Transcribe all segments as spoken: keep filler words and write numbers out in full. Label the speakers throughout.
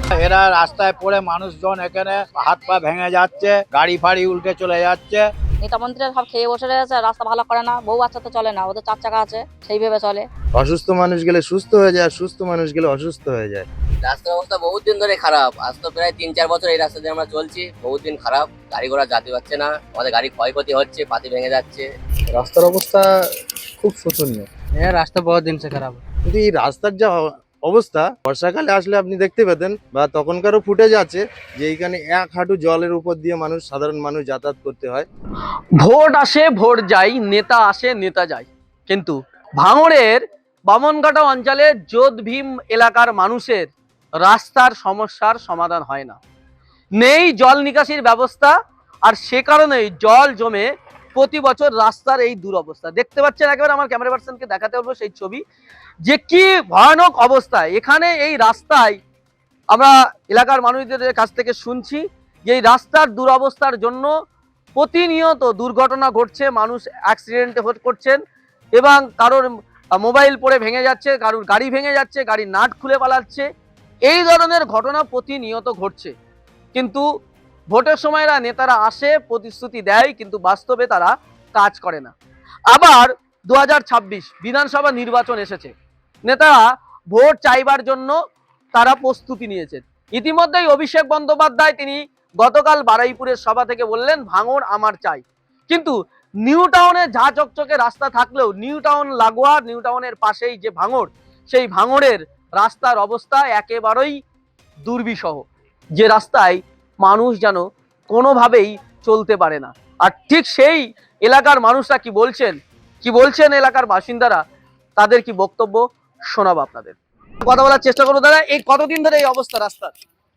Speaker 1: এরা রাস্তায় পড়ে মানুষজন এখানে হাত পা ভেঙে যাচ্ছে, গাড়ি ফাড়ি উল্টে চলে যাচ্ছে।
Speaker 2: নেতা মন্ত্রীরা সব খেয়ে বসে রয়েছে, রাস্তা ভালো করে না। বউ বাচ্চা তো চলে না, ওদের চার চাকা আছে, সেইভাবে চলে।
Speaker 3: অসুস্থ মানুষ গেলে সুস্থ হয়ে যায়, আর সুস্থ মানুষ গেলে অসুস্থ হয়ে যায়।
Speaker 4: রাস্তার অবস্থা বহুত দিন ধরে খারাপ। আজ তো প্রায় তিন চার বছর এই রাস্তা দিয়ে আমরা চলছি, বহুত দিন খারাপ। গাড়ি ঘোড়া যেতে পারছে না, আমাদের গাড়ি ক্ষয়ক্ষতি হচ্ছে, পাতি ভেঙে যাচ্ছে।
Speaker 3: রাস্তার অবস্থা খুব শোচনীয়।
Speaker 5: হ্যাঁ, রাস্তা বহুত দিন সে খারাপ।
Speaker 3: কিন্তু এই রাস্তার যা অবস্থা, বর্ষাকালে আসলে আপনি দেখতে পেতেন বা তখনকারও ফুটেজ আছে যে এইখানে এক হাঁটু জলের উপর দিয়ে মানুষ, সাধারণ মানুষ যাতায়াত করতে হয়।
Speaker 6: ভোট আসে ভোট যায়, নেতা আসে নেতা যায়, কিন্তু ভাঙড়ের বামনঘাটা অঞ্চলে যোধ ভীম এলাকার মানুষের রাস্তার সমস্যার সমাধান হয় না। নেই জল নিকাশির ব্যবস্থা, আর সে কারণেই জল জমে প্রতি বছর রাস্তার এই দুরবস্থা দেখতে পাচ্ছেন। একেবারে আমার ক্যামেরা পার্সনকে দেখাতে বলবো সেই ছবি, যে কি ভয়ানক অবস্থা এখানে এই রাস্তায়। আমরা এলাকার মানুষদের কাছ থেকে শুনছি যে এই রাস্তার দুরবস্থার জন্য প্রতিনিয়ত দুর্ঘটনা ঘটছে, মানুষ অ্যাক্সিডেন্টে করছেন, এবং কারোর মোবাইল পড়ে ভেঙে যাচ্ছে, কারোর গাড়ি ভেঙে যাচ্ছে, গাড়ির নাট খুলে পালাচ্ছে। এই ধরনের ঘটনা প্রতিনিয়ত ঘটছে। কিন্তু ভোটের সময় এরা নেতারা আসে, প্রতিশ্রুতি দেয়, কিন্তু বাস্তবে তারা কাজ করে না। আবার দু হাজার ছাব্বিশ বিধানসভা নির্বাচন এসেছে, নেতারা ভোট চাইবার জন্য তারা প্রস্তুতি নিয়েছেন। ইতিমধ্যেই অভিষেক বন্দ্যোপাধ্যায় তিনি গতকাল বারুইপুরের সভা থেকে বললেন ভাঙড় আমার চাই। কিন্তু নিউ টাউনে ঝা চকচকে রাস্তা থাকলেও নিউ টাউন লাগোয়া, নিউ টাউনের পাশেই যে ভাঙড়, সেই ভাঙড়ের রাস্তার অবস্থা একেবারেই দুর্বিষহ, যে রাস্তায় মানুষ যেন কোনোভাবেই চলতে পারে না। আর ঠিক সেই এলাকার মানুষরা কি বলছেন, কি বলছেন এলাকার বাসিন্দারা, তাদের কি বক্তব্য শোনাবো আপনাদের। কথা বলার চেষ্টা করবো। দাদা, এই কতদিন ধরে এই অবস্থা রাস্তার?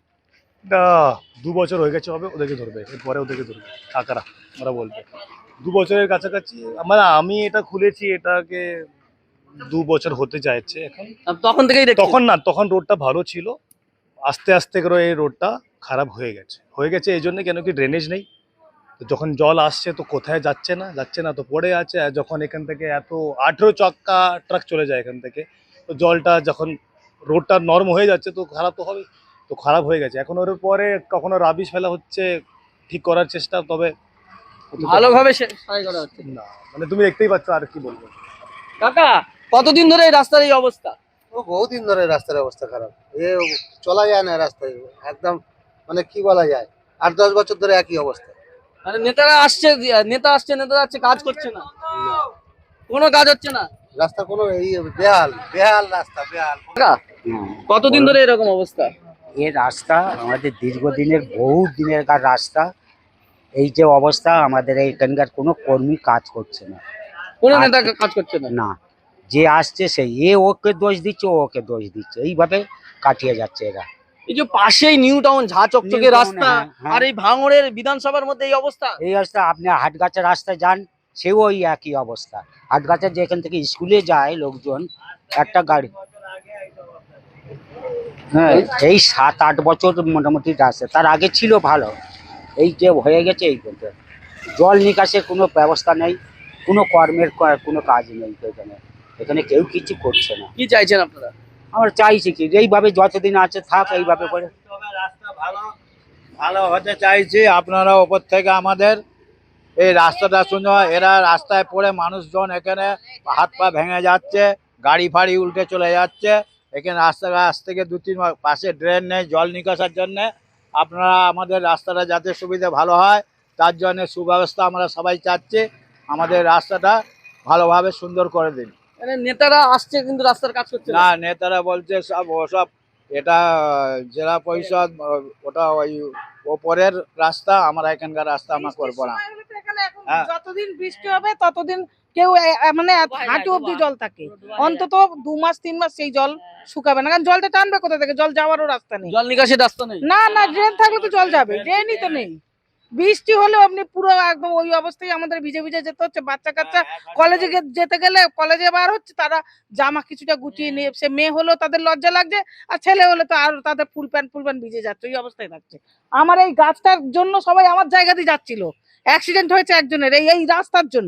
Speaker 7: দু বছর হয়ে গেছে হবে, ওদেরকে ধরবে, এরপরে ওদেরকে ধরবে কাকারা, ওরা বলবে। দু বছরের কাছাকাছি, মানে আমি এটা খুলেছি, এটাকে দু বছর হতে যাচ্ছে এখন।
Speaker 6: তখন থেকেই
Speaker 7: তখন না, তখন রোডটা ভালো ছিল, আস্তে আস্তে করে এই রোডটা খারাপ হয়ে গেছে হয়ে গেছে এই জন্য কেন কি ড্রেনেজ নেই। তো যখন জল আসছে তো কোথায় যাচ্ছে না যাচ্ছে না তো পড়ে আছে। আর যখন এখান থেকে এত আঠেরো চক্কা ট্রাক চলে যায় এখান থেকে, তো জলটা যখন রোডটা নরম হয়ে যাচ্ছে তো খারাপ তো হবে, তো খারাপ হয়ে গেছে। এখন ওর পরে কখনো রাবিশ ফেলা হচ্ছে, ঠিক করার চেষ্টা, তবে
Speaker 6: ভালোভাবে সারাই করা হচ্ছে
Speaker 7: না। মানে তুমি দেখতেই পাচ্ছ, আর কি বলবো।
Speaker 6: কাকা, কতদিন ধরে এই রাস্তার এই অবস্থা?
Speaker 8: ও বহুদিন ধরে রাস্তার অবস্থা খারাপ, এ চলা যায় না রাস্তায় একদম, মানে কি বলা যায়, আট দশ বছর ধরে একই অবস্থা।
Speaker 6: মানে নেতারা আসছে, নেতা আসছে নেতা যাচ্ছে, কাজ করছে না, কোনো কাজ হচ্ছে না।
Speaker 8: রাস্তা কোনো এই বেহাল বেহাল রাস্তা বেহাল।
Speaker 6: কাকা, কতদিন ধরে এরকম অবস্থা?
Speaker 9: এই রাস্তা আমাদের দীর্ঘদিনের বহু দিনেরকার রাস্তা। এই যে অবস্থা, আমাদের এইখানকার কোনো কর্মী কাজ করছে না,
Speaker 6: কোনো নেতা কাজ করছে না।
Speaker 9: না, যে আসছে সেই এ ওকে দোষ দিচ্ছে, ও ওকে দোষ দিচ্ছে, এইভাবে কাটিয়ে যাচ্ছে এরা।
Speaker 6: এই যে পাশেই নিউ টাউন ঝা চকচকে
Speaker 9: নিউ টাউন,
Speaker 6: রাস্তা,
Speaker 9: হ্যাঁ, হ্যাঁ।
Speaker 6: আর এই ভাঙড়ের বিধানসভার মধ্যে এই অবস্থা।
Speaker 9: এই রাস্তা আপনি হাটগাছা রাস্তায় যান, সেও ওই একই অবস্থা। হাটগাছা যেখান থেকে স্কুলে যায় লোকজন, একটা গাড়ি, হ্যাঁ, এই সাত আট বছর মোটামুটি রাস্তা, তার আগে ছিল ভালো, এই যে হয়ে গেছে এই বলতে। জল নিকাশের কোনো ব্যবস্থা নেই, কোনো কর্মের ক- কোনো কাজ নেই এখানে, এখানে কেউ কিছু করছে না।
Speaker 6: কি চাইছেন আপনারা?
Speaker 9: আমরা চাইছি কি এইভাবে যতদিন আছে থাক এইভাবে করে।
Speaker 1: রাস্তা ভালো ভালো হতে চাইছি, আপনারা ওপর থেকে আমাদের এই রাস্তাটা শুনে। এরা রাস্তায় পড়ে মানুষজন এখানে হাত পা ভেঙে যাচ্ছে, গাড়ি ফাড়ি উল্টে চলে যাচ্ছে। এখানে রাস্তা আজ থেকে দু তিন মাস পাশে ড্রেন নেই জল নিকাশার জন্যে। আপনারা আমাদের রাস্তাটা যাতে সুবিধা ভালো হয় তার জন্য সুব্যবস্থা আমরা সবাই চাচ্ছি, আমাদের রাস্তাটা ভালোভাবে সুন্দর করে দিন।
Speaker 6: মানে নেতারা আসছে কিন্তু রাস্তার কাজ করছে
Speaker 1: না,
Speaker 6: না।
Speaker 1: নেতারা বলছে সব ওসব, এটা জেলা পরিষদ, ওটা ওই ওপরের রাস্তা, আমরা এখানকার রাস্তা আমরা করবো না। হ্যাঁ।
Speaker 10: যতদিন বৃষ্টি হবে ততদিন কেউ এ- এ- মানে হাঁটু অব্দি জল থাকে, অন্তত দু মাস তিন মাস সেই জল শুকাবে না, কারণ জলটা টানবে কোথা থেকে, জল যাওয়ারও রাস্তা নেই।
Speaker 6: জল নিকাশির রাস্তা নেই।
Speaker 10: না না, ড্রেন থাকলে তো জল যাবে, ড্রেনই তো নেই। বৃষ্টি হলে আপনি পুরো একদম ওই অবস্থায় আমাদের ভিজে ভিজে যেতে হচ্ছে। বাচ্চা কাচ্চা কলেজে যেতে গেলে, কলেজে বার হচ্ছে, তারা জামা কিছুটা গুটিয়ে নিয়ে, সে মেয়ে হলেও তাদের লজ্জা লাগছে, আর ছেলে হলে তো আর তাদের ফুল প্যান্ট ফুল প্যান্ট ভিজে যাচ্ছে, ওই অবস্থায় থাকছে। আমার এই গাছটার জন্য সবাই আমার জায়গা দিয়ে যাচ্ছিল, অ্যাক্সিডেন্ট হয়েছে একজনের এই এই রাস্তার জন্য।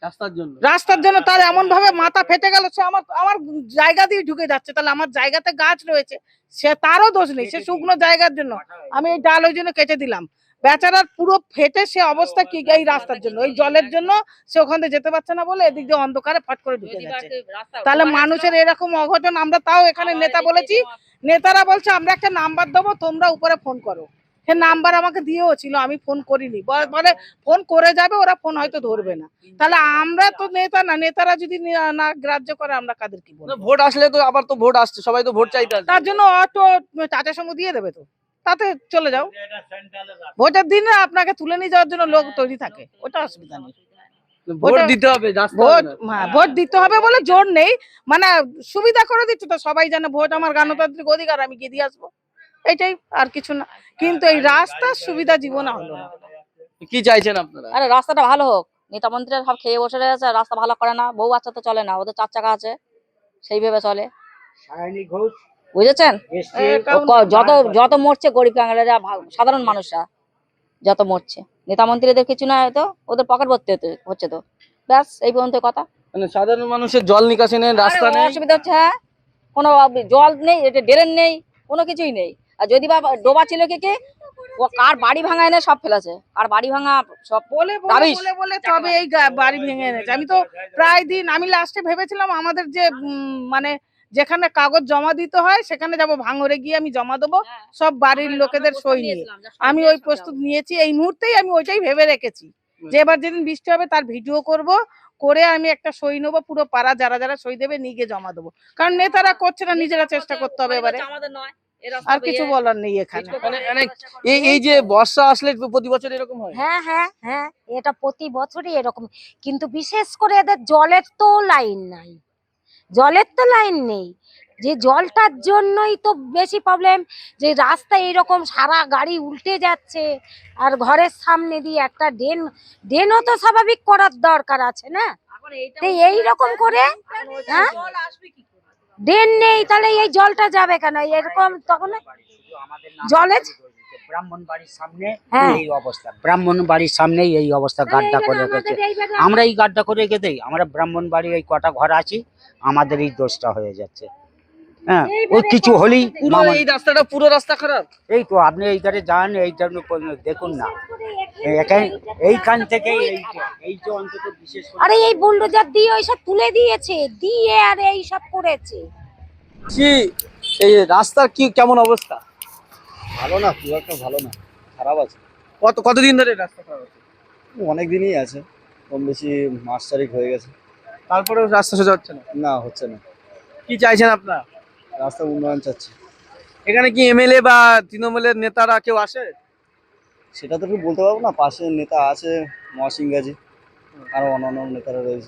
Speaker 6: রাস্তার জন্য
Speaker 10: রাস্তার জন্য তার এমন ভাবে মাথা ফেটে গেল, সে আমার আমার জায়গা দিয়ে ঢুকে যাচ্ছে। তাহলে আমার জায়গাতে গাছ রয়েছে, সে তারও দোষ নেই, সে শুকনো জায়গার জন্য আমি এই ডাল ওই জন্য কেটে দিলাম। বেচারার পুরো ফেটে সে অবস্থা কি এই রাস্তার জন্য, ওই জলের জন্য সে ওখান থেকে যেতে পারছে না বলে এদিক দিয়ে অন্ধকারে ফট করে ঢুকে যাচ্ছে। তাহলে মানুষের এরকম অঘটন, আমরা তাও এখানে নেতা বলেছি, নেতারা বলছে আমরা একটা নাম্বার দেবো, তোমরা উপরে ফোন করো। সে নাম্বার আমাকে দিয়েও ছিল, আমি ফোন করিনি, বলে বলে ফোন করে যাবে, ওরা ফোন হয়তো ধরবে না। তাহলে আমরা তো নেতা না, নেতারা যদি নি- না গ্রাহ্য করে আমরা কাদের কি বলবো?
Speaker 6: ভোট আসলে তো আবার তো ভোট আসছে, সবাই তো ভোট চাইতে আসবে।
Speaker 10: তার জন্য অটো টাটা সমু দিয়ে দেবে, তো তাতে চলে যাও। ভোটের দিনে আপনাকে তুলে নিয়ে যাওয়ার জন্য লোক তৈরি থাকে, ওটা অসুবিধা নেই।
Speaker 6: ভোট
Speaker 10: ভোটে-
Speaker 6: দিতে হবে, রাস্তা হবে
Speaker 10: ভোট
Speaker 6: না।
Speaker 10: হ্যাঁ, ভোট দিতে হবে বলে জোর নেই, মানে সুবিধা করে দিচ্ছে তো, সবাই জানে ভোট আমার গণতান্ত্রিক অধিকার, আমি গিয়ে দিয়ে আসবো, এটাই, আর কিছু না। কিন্তু এই রাস্তার সুবিধা জীবনে হলো না।
Speaker 6: কি চাইছেন আপনারা?
Speaker 2: আরে রাস্তাটা ভালো হোক, নেতা মন্ত্রীরা সব খেয়ে বসে রয়েছে, রাস্তা ভালো করে না, বউ বাচ্চা তো চলে না, ওদের চার চাকা আছে সেইভাবে চলে,
Speaker 9: সায়নী ঘোষ
Speaker 2: বুঝেছেন?
Speaker 9: এসছে
Speaker 10: এটা-
Speaker 2: ও ক- যত যত মরছে গরিব কাঙালেরা, ভা- সাধারণ মানুষরা যত মরছে, নেতা মন্ত্রীদের কিছু না, হয়তো ওদের পকেট ভর্তি হতে- হচ্ছে তো, ব্যাস এই পর্যন্ত কথা।
Speaker 6: মানে সাধারণ মানুষের জল নিকাশি নেই, রাস্তা
Speaker 2: আরে
Speaker 6: নেই।
Speaker 2: অসুবিধা হচ্ছে, হ্যাঁ, কোনো জল নেই, এটা ড্রেন নেই, কোনো কিছুই নেই। আর যদি বা ডোবা ছিল কি কি, ও কার বাড়ি ভাঙা এনে সব ফেলেছে, আর বাড়ি ভাঙা সব
Speaker 10: বলে বলে
Speaker 2: দাবিস।
Speaker 10: বলে বলে তবে এই গা- বাড়ি ভেঙে এনেছে। আমি তো প্রায় দিন, আমি লাস্টে ভেবেছিলাম আমাদের যে উম, মানে যেখানে কাগজ জমা দিতে হয় সেখানে যাব, ভাঙরে গিয়ে আমি জমা দেবো সব বাড়ির লোকেদের সই নিয়ে। আমি ওই প্রস্তুত নিয়েছি, এই মুহূর্তেই আমি ওইটাই ভেবে রেখেছি যে এবার যেদিন বৃষ্টি হবে তার ভিডিও করব, করে আমি একটা সই নেবো, পুরো পাড়া যারা যারা সই দেবে নিয়ে গিয়ে জমা দেবো। কারণ নেতারা করছে না, নিজেরা চেষ্টা করতে হবে এবারে, আর কিছু বলার নেই এখানে।
Speaker 6: মানে মানে এই এই যে বর্ষা আসলে প্রতি বছর এরকম হয়।
Speaker 11: হ্যাঁ হ্যাঁ হ্যাঁ, এটা প্রতি বছরই এরকম, কিন্তু বিশেষ করে এদের জলের তো লাইন নাই, জলের তো লাইন নেই, যে জলটার জন্যই তো বেশি প্রবলেম। যে রাস্তা এইরকম সারা গাড়ি উল্টে যাচ্ছে, আর ঘরের সামনে দিয়ে একটা ড্রেন, ড্রেনও তো স্বাভাবিক করার দরকার আছে না, তো এইরকম করে হ্যাঁ ড্রেন নেই, তাহলে এই জলটা যাবে কেন এরকম? তখন জলে
Speaker 9: ব্রাহ্মণ বাড়ির সামনে
Speaker 11: হ্যাঁ।
Speaker 9: এই অবস্থা, ব্রাহ্মণ বাড়ির সামনেই এই অবস্থা, গাড্ডা করে রেখেছে। আমরা এই গাড্ডা করে রেখে দেই, আমরা ব্রাহ্মণ বাড়ির এই কটা ঘর আছি, আমাদের এই দোষটা হয়ে যাচ্ছে। হ্যাঁ, ওই কিছু হলেই
Speaker 6: পুরো
Speaker 9: মামা-
Speaker 6: এই রাস্তাটা পুরো রাস্তা খারাপ।
Speaker 9: এই তো আপনি এইখানে যান, এইটার উপর দেখুন না, এখানে এইখান থেকে এইটা এই যে অন্তত বিশেষ করে
Speaker 11: আরে এই বুলডোজার দিয়ে ওইসব তুলে দিয়েছে, দিয়ে আর এইসব করেছে।
Speaker 6: কি এই রাস্তার কি কেমন অবস্থা?
Speaker 3: ভালো না, খুব একটা ভালো না, খারাপ আছে।
Speaker 6: কত কতদিন ধরে এই রাস্তা খারাপ আছে?
Speaker 3: অনেক দিনই আছে, কম বেশি মাস চারিক হয়ে গেছে।
Speaker 6: তারপরেও রাস্তা সোজা হচ্ছে না।
Speaker 3: না, হচ্ছে না।
Speaker 6: কি চাইছেন আপনারা?
Speaker 3: রাস্তা উন্নয়ন চাচ্ছি।
Speaker 6: এখানে কি এমএলএ বা তৃণমূলের নেতারা কেউ আসে?
Speaker 3: সেটা তো একটু বলতে পারবো না, পাশে নেতা আছে মহাসিং গাজী, আরো অন্যান্য নেতারা রয়েছে,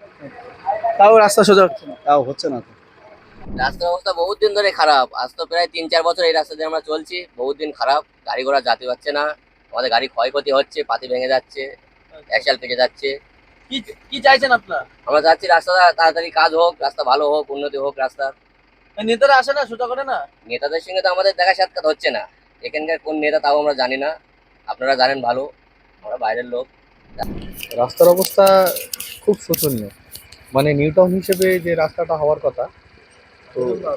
Speaker 6: তাও রাস্তা সোজা হচ্ছে না।
Speaker 3: তাও হচ্ছে না তো।
Speaker 4: রাস্তার অবস্থা বহুত দিন ধরে খারাপ, আজ তো প্রায় তিন চার বছর এই রাস্তা দিয়ে আমরা চলছি, বহুত দিন খারাপ, গাড়ি ঘোড়া যেতে পারছে না, আমাদের গাড়ি ক্ষয়ক্ষতি হচ্ছে, পাতি ভেঙে যাচ্ছে, অ্যাক্সেল পেকে যাচ্ছে।
Speaker 6: কি কি চাইছেন আপনারা?
Speaker 4: আমরা চাচ্ছি রাস্তাটা তাড়াতাড়ি কাজ হোক, রাস্তা ভালো হোক, উন্নতি হোক রাস্তার।
Speaker 6: নেতারা আসে না, সোজা করে না।
Speaker 4: নেতাদের সঙ্গে তো আমাদের দেখা সাক্ষাৎ হচ্ছে না, এখানকার কোন নেতা তাও আমরা জানি না, আপনারা জানেন ভালো, আমরা বাইরের লোক।
Speaker 7: রাস্তার অবস্থা খুব শোচনীয়, মানে নিউ টাউন হিসেবে যে রাস্তাটা হওয়ার কথা, তো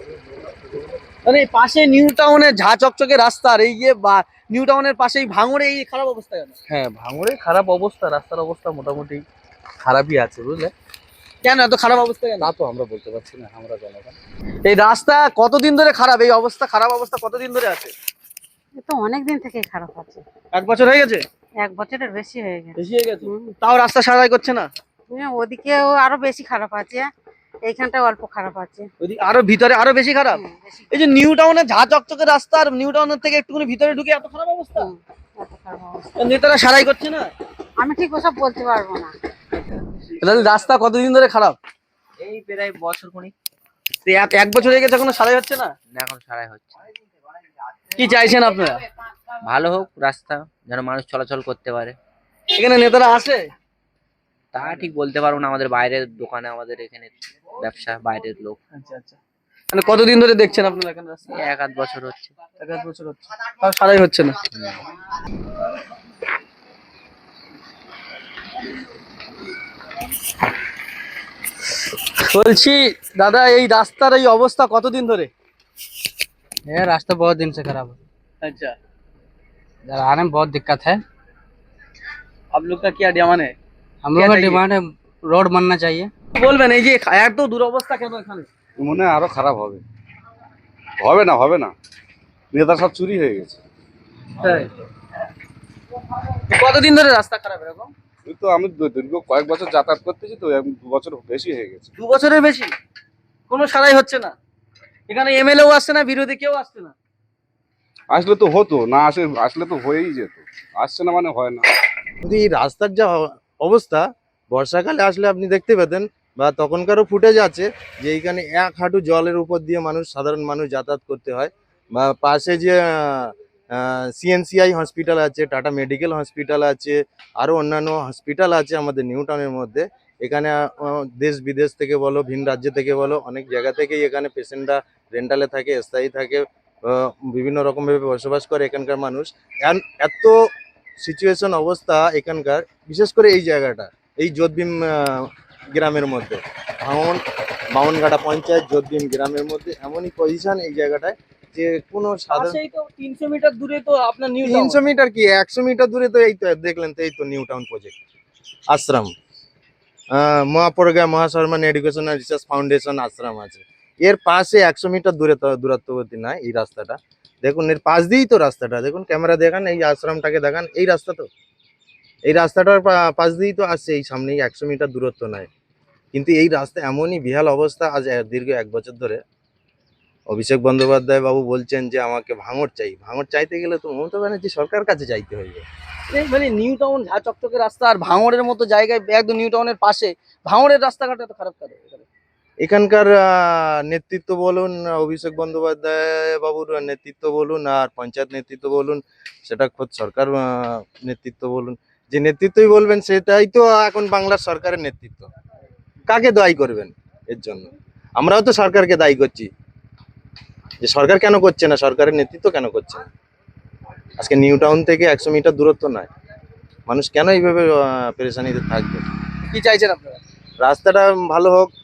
Speaker 6: মানে পাশে নিউ টাউনের ঝা চকচকে রাস্তা, আর এই যে বা- নিউ টাউনের পাশেই ভাঙড়ে এই খারাপ অবস্থা কেন?
Speaker 7: হ্যাঁ, ভাঙড়ে খারাপ অবস্থা, রাস্তার অবস্থা মোটামুটি খারাপই আছে, বুঝলে।
Speaker 6: কেন এত খারাপ অবস্থা কেন?
Speaker 7: তা তো আমরা বলতে পারছি না, আমরা জনগণ।
Speaker 6: এই রাস্তা কতদিন ধরে খারাপ? এই অবস্থা, খারাপ অবস্থা কতদিন ধরে আছে?
Speaker 11: তো অনেক দিন থেকে খারাপ আছে,
Speaker 6: এক বছর হয়ে গেছে,
Speaker 11: এক বছরের বেশি হয়ে গেছে।
Speaker 6: বেশি হয়ে গেছে, তাও রাস্তা সারাই করছে না।
Speaker 11: ওদিকেও আরো বেশি খারাপ আছে, এইখানটা অল্প খারাপ আছে।
Speaker 6: ওইদিকে আরো ভিতরে আরো বেশি খারাপ।
Speaker 11: হুম, বেশি
Speaker 6: এই যে নিউ টাউনের ঝা চকচকে রাস্তা, আর নিউ টাউনের থেকে একটুখানি ভিতরে ঢুকে এত খারাপ অবস্থা,
Speaker 11: হুম, এত খারাপ অবস্থা।
Speaker 6: নেতারা সারাই করছে না।
Speaker 11: আমি ঠিক ওসব বলতে পারবো না।
Speaker 6: তাহলে রাস্তা কতদিন ধরে খারাপ?
Speaker 5: এই প্রায় বছর খানিক
Speaker 6: তো এক এক বছর হয়ে গেছে, এখনো সারাই হচ্ছে না।
Speaker 5: এখন সারাই হচ্ছে।
Speaker 6: কি চাইছেন আপনারা?
Speaker 5: ভালো হোক রাস্তা, যেন মানুষ চলাচল করতে পারে।
Speaker 6: এখানে নেতারা আসে?
Speaker 5: তা ঠিক বলতে পারবো না, আমাদের বাইরের দোকানে, আমাদের এখানে ব্যবসা, বাইরের লোক।
Speaker 6: আচ্ছা আচ্ছা, মানে কতদিন ধরে দেখছেন আপনারা এখানে রাস্তা?
Speaker 5: এই এক আধ বছর হচ্ছে।
Speaker 6: এক আধ বছর হচ্ছে, তাও সারাই হচ্ছে না। বলছি দাদা, এই রাস্তার এই অবস্থা কতদিন ধরে?
Speaker 5: ये रास्ता बहुत दिन से खराब है,
Speaker 6: अच्छा,
Speaker 5: इधर आने में बहुत दिक्कत है।
Speaker 6: आप लोग का क्या डिमांड है?
Speaker 5: हम लोग
Speaker 6: क्या
Speaker 5: का
Speaker 6: चाहिए?
Speaker 5: डिमांड है रोड बनना चाहिए।
Speaker 6: বলবেন এই যে এত দুরবস্থা কেন এখানে?
Speaker 12: মনে হয় আরো খারাপ হবে। হবে না হবে না নেতা সব চুরি হয়ে গেছে।
Speaker 6: তাই? কতদিন ধরে রাস্তা খারাপ এরকম?
Speaker 12: এই তো আমি দু- দীর্ঘ কয়েক বছর যাতায়াত করতেছি, তো এক দু বছর বেশি হয়ে গেছে।
Speaker 6: দু বছরের বেশি কোনো সারাই হচ্ছে না। এখানে এমএলএও আসছে না, বিরোধী কেউ আসছে না।
Speaker 12: আসলে তো হতো, না আসে আসলে তো হয়েই যেত। আসছে না মানে হয় না।
Speaker 3: কিন্তু এই রাস্তার যা অ- অবস্থা, বর্ষাকালে আসলে আপনি দেখতে পেতেন বা তখনকারও ফুটেজ আছে যে এইখানে এক হাঁটু জলের উপর দিয়ে মানুষ সাধারণ মানুষ যাতায়াত করতে হয়। বা পাশে যে সিএনসিআই হসপিটাল আছে, টাটা মেডিকেল হসপিটাল আছে, আরও অন্যান্য হসপিটাল আছে আমাদের নিউ টাউনের মধ্যে। এখানে আহ, দেশ বিদেশ থেকে বলো, ভিন রাজ্য থেকে বলো, অনেক জায়গা থেকেই এখানে পেশেন্টরা রেন্টালে থাকে, স্থায়ী থাকে, আহ, বিভিন্ন রকমভাবে বসবাস করে এখানকার মানুষ। এন- এত সিচুয়েশন অবস্থা এখানকার, বিশেষ করে এই জায়গাটা, এই যোধভীম আহ, গ্রামের মধ্যে, ভাঙন বামনঘাটা পঞ্চায়েত যোধভীম গ্রামের মধ্যে এমনই পজিশন এই জায়গাটায় যে কোনো সাধারণ
Speaker 6: পাশেই তো তিনশো মিটার দূরে তো আপনার নিউ টাউন।
Speaker 3: তিনশো মিটার কি একশো মিটার দূরে তো এই তো দেখলেন তো, এই তো নিউ টাউন প্রজেক্ট আশ্রম, আহ, মহাপরগা মহাশর্মান এডুকেশন অ্যান্ড রিসার্চ ফাউন্ডেশন আশ্রম আছে। এর পাশে একশো মিটার দূরে তো দূরত্ববর্তী নয় এই রাস্তাটা। দেখুন এর পাশ দিয়েই তো রাস্তাটা, দেখুন ক্যামেরা দেখান, এই আশ্রমটাকে দেখান, এই রাস্তা তো, এই রাস্তাটার পা- পাশ দিয়েই তো আসছে, এই সামনেই একশো মিটার দূরত্ব নয়। কিন্তু এই রাস্তা এমনই বিহাল অবস্থা, আজ এ- দীর্ঘ এক বছর ধরে অভিষেক বন্দ্যোপাধ্যায় বাবু বলছেন যে আমাকে ভাঙড় চাই। ভাঙড় চাইতে গেলে তো মমতা ব্যানার্জি সরকার কাছে চাইতে হইবে।
Speaker 6: এই মানে নিউ টাউন ঝা চকচকে রাস্তা, আর ভাঙড়ের মতো জায়গায় একদম নিউ টাউনের পাশে ভাঙড়ের রাস্তাঘাট এত খারাপ করে এখানে?
Speaker 3: এখানকার আহ, নেতৃত্ব বলুন, অভিষেক বন্দ্যোপাধ্যায় বাবুর নেতৃত্ব বলুন, আর পঞ্চায়েত নেতৃত্ব বলুন, সেটা খোদ সরকার আহ, নেতৃত্ব বলুন, যে নেতৃত্বই বলবেন সেটাই তো এখন বাংলার সরকারের নেতৃত্ব। কাকে দায়ী করবেন এর জন্য? আমরাও তো সরকারকে দায়ী করছি যে সরকার কেন করছে না, সরকারের নেতৃত্ব কেন করছে না। আজকে নিউ টাউন থেকে একশো মিটার দূরত্ব নয়, মানুষ কেন এইভাবে আহ, পেরেশানিতে থাকবে?
Speaker 6: কি চাইছেন আপনারা?
Speaker 3: রাস্তাটা ভালো হোক,